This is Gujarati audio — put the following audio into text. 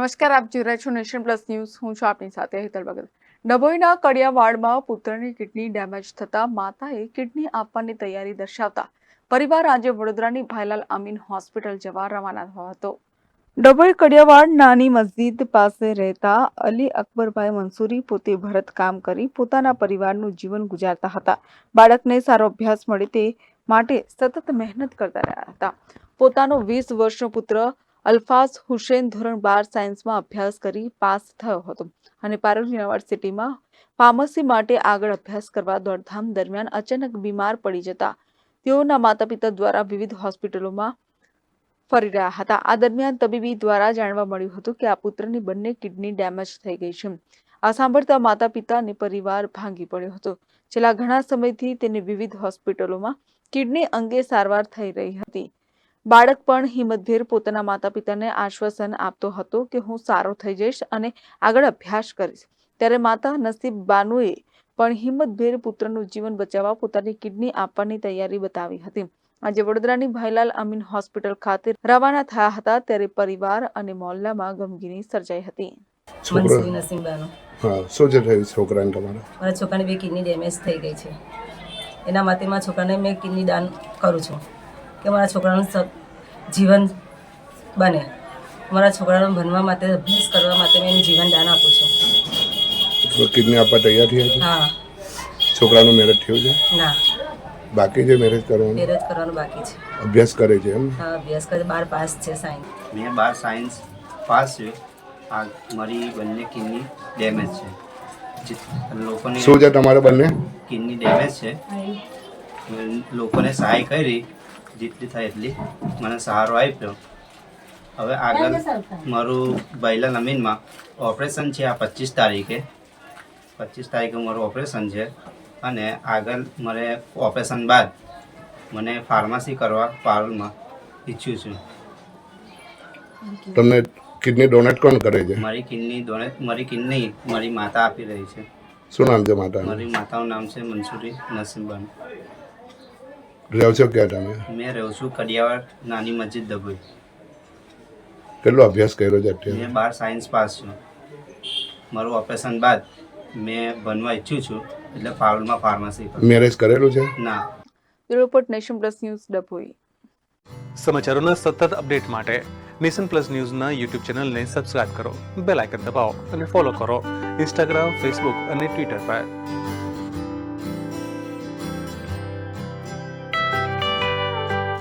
નમસ્કાર, આપ જોઈ રહ્યા છો નેશન પ્લસ ન્યૂઝ. હું છું આપની સાથે હેતલ ભગત. ડભોઈના કડિયાવાડમાં પુત્રની કિડની ડેમેજ થતા માતાએ કિડની આપવાની તૈયારી દર્શાવતા પરિવાર આજે વડોદરાની ભાઈલાલ અમીન હોસ્પિટલ જવા રવાના થયો હતો. ડભોઈ કડિયાવાડ નાની મસ્જિદ પાસે રહેતા અલી અકબરભાઈ મંસૂરી પોતે ભરત કામ કરી પોતાના પરિવારનું જીવન ગુજારતા હતા. બાળકને સારો અભ્યાસ મળે તે માટે સતત મહેનત કરતા રહ્યા હતા. પોતાનો 20 વર્ષનો પુત્ર અલ્ફાઝ હુસેન ધોરણ 12 સાયન્સમાં અભ્યાસ કરી પાસ થયો હતો અને પારુલ યુનિવર્સિટીમાં ફાર્મસી માટે આગળ અભ્યાસ કરવા દોડધામ દરમિયાન અચાનક બીમાર પડી જતા તેઓના માતા પિતા દ્વારા વિવિધ હોસ્પિટલોમાં ફરી રહ્યા હતા. આ દરમિયાન તબીબી દ્વારા જાણવા મળ્યું હતું કે આ પુત્રની બંને કિડની ડેમેજ થઈ ગઈ છે. આ સાંભળતા માતા પિતા અને પરિવાર ભાંગી પડ્યો હતો. છેલ્લા ઘણા સમયથી તેને વિવિધ હોસ્પિટલોમાં કિડની અંગે સારવાર થઈ રહી હતી. બાળક પણ હિંમતભેર પોતાના માતા પિતાને આશ્વાસન આપતો હતો કે હું સારો થઈ જઈશ અને આગળ અભ્યાસ કરીશ. ત્યારે માતા નસીબ બાનુએ પણ હિંમતભેર પુત્રનું જીવન બચાવવા પોતાની કિડની આપવાની તૈયારી બતાવી હતી. આજે વડોદરાની ભાઈલાલ અમીન હોસ્પિટલ ખાતે રવાના થયા હતા ત્યારે પરિવાર અને મોહલ્લામાં ગમગીની સર્જાઈ હતી. મનસુરી નસીમબાનો. હા, શું છે થયું છોકરાને તમારા? મારા છોકરાને 2 કિડની ડેમેજ થઈ ગઈ છે. એના માટે મારા છોકરાને મેં કિડની દાન કરું છું કે મારા છોકરાનું જીવન બને. મારા છોકરાને ભણવા માટે અભ્યાસ કરવા માટે મેં એનું જીવન દાન આપું છું. કિડની આપવા તૈયાર થયા છે? હા. છોકરાનું મેરેજ થયું છે? ના, બાકી છે મેરેજ કરવાનું? મેરેજ કરવાનું બાકી છે. અભ્યાસ કરે છે એમ? હા, અભ્યાસ કરે. 12 પાસ છે સાયન્સ. મેં 12 સાયન્સ પાસ છે. આ મારી બંને કિડની ડેમેજ છે. લોકોને શું છે તમારે બંને? કિડની ડેમેજ છે. લોકોને સહાય કરી જેટલી થાય એટલી મને સહારો આપ્યો. હવે આગળ મારું ભાઈલાલ અમીનમાં ઓપરેશન છે. આ 25 તારીખે મારું ઓપરેશન છે અને આગળ મારે ઓપરેશન બાદ મને ફાર્મસી કરવા પારુલમાં ઈચ્છું છું. તમને કિડની ડોનેટ કોણ કરે છે? મારી કિડની મારી માતા આપી રહી છે. શું નામ છે માતાનું? મારી માતાનું નામ છે મનસુરી નસીમબાન. રહો છો ક્યાં તમે? મેં રહું છું કડિયાવાડ નાની મસ્જિદ ડભોઈ. કેટલો અભ્યાસ કર્યો છે અત્યારે? મેં 12 સાયન્સ પાસ છું. મારું ઓપરેશન બાદ મેં બનવા ઈચ્છું છું એટલે પારુલમાં ફાર્મસી કરું. મેરેજ કરેલું છે? ના. Report nation plus news Dabhoi. સમાચારોના સતત અપડેટ માટે નેશન પ્લસ ન્યૂઝના યુટ્યુબ ચેનલને સબસ્ક્રાઇબ કરો, બેલ આઇકન દબાવો અને ફોલો કરો ઇન્સ્ટાગ્રામ, ફેસબુક અને ટ્વિટર પર.